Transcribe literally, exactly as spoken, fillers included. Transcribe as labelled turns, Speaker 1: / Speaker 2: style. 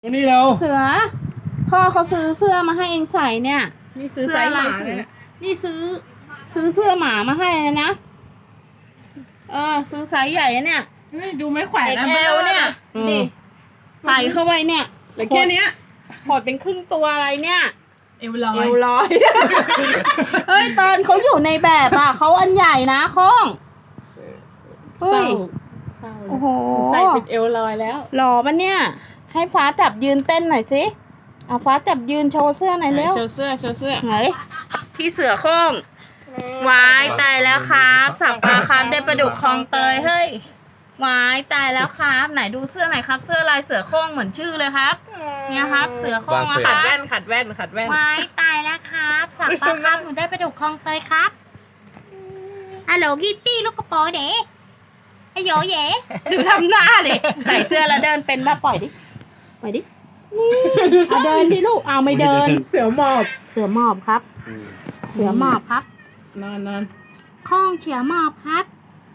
Speaker 1: วันนี้เรา
Speaker 2: เสือ พ่อเขาซื้อเสื้อมาให้เองใส่เนี่ย
Speaker 3: นี่ซื้อไซส์หมาเลยนะ
Speaker 2: นี่ซื้อ ซื้อเสื้อหมามาให้เลยนะ เออ ซื้อไซส์ใหญ่อะเนี่ย
Speaker 3: เฮ้ยดูไม่แขวน
Speaker 2: เอ็ก
Speaker 3: นะ
Speaker 2: แอลเนี่ยดิใส่เข้าไปเนี่ย
Speaker 3: เหลือแค่เนี้ย
Speaker 2: หดเป็นครึ่งตัวอะไรเนี่ย
Speaker 3: เอวลอ
Speaker 2: เอย วลอย เฮ้ย ตอนเขาอยู่ในแบบอ่ะเขาอันใหญ่นะข้องเฮ้ย
Speaker 3: เศร้า
Speaker 2: โอ้โห
Speaker 3: ใส่เป็นเอวลอยแล้ว
Speaker 2: หล่อปะเนี่ย ให้ฟ้าจับยืนเต้นหน่อยสิเอาฟ้าจับยืนโชว์เสื้อหน่อยเร็ว
Speaker 3: โชว์เสื้อโชว์เสื้อ
Speaker 2: ไหนพี่เสือโค้งวายตายแล้วครับสับปลาครับได้ปลาดุกคลองเตยเฮ้ยวายตายแล้วครับ ไหนดูเสื้อหน่อยครับ เสื้อลายเสือโค้งเหมือนชื่อเลยครับ เนี่ยครับ เสือโค้งอะค
Speaker 3: ขั
Speaker 2: รั
Speaker 3: ด
Speaker 2: บ
Speaker 3: แว่นขัดแว่นขัดแว่น
Speaker 2: วายตายแล้วครับสับปลาครับหนูได้ปลาดุกคลองเตยครับฮัลโหลกิตตี้ลูกกระโปรงเด๋ไอโยเย่ดูทำหน้าเลยใส่เสื้อแล้วเดินเป็นมาปล่อยดิปล่อยดินี่เอาเดินดิลูกเอาไม่เดิน
Speaker 3: เสือหมอบ
Speaker 2: เสือหมอบครับ เสือหมอบครับ
Speaker 3: นอนนอน
Speaker 2: ข้องเสือหมอบครับ